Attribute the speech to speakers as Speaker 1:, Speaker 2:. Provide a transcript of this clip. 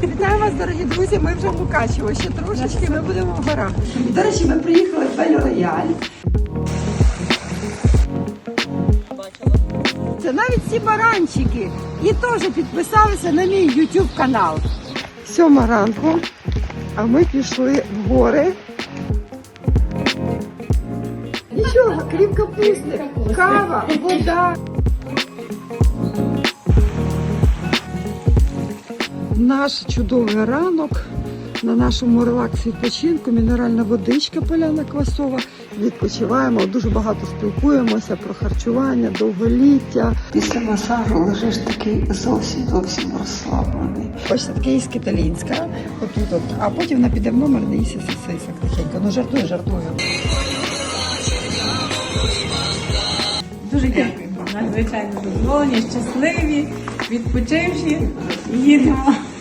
Speaker 1: Вітаю вас, дорогі друзі, ми вже в Мукачево, ще трошечки ми будемо в горах. До речі, ми приїхали в Бель Рояль. Це навіть ці баранчики і теж підписалися на мій YouTube канал. 7 ранку, а ми пішли в гори. Нічого, крім капусти, кава, вода. Наш чудовий ранок на нашому релакс-відпочинку, мінеральна водичка поляна квасова. Відпочиваємо, дуже багато спілкуємося про харчування, довголіття. Після масажу лежиш такий зовсім розслаблений. Ось таке із Киталінська, отут, а потім вона піде в номер, не їсть сосисок тихенько. Ну жартую.
Speaker 2: Дуже дякуємо. Надзвичайно задоволені, щасливі, відпочивші. Їдемо.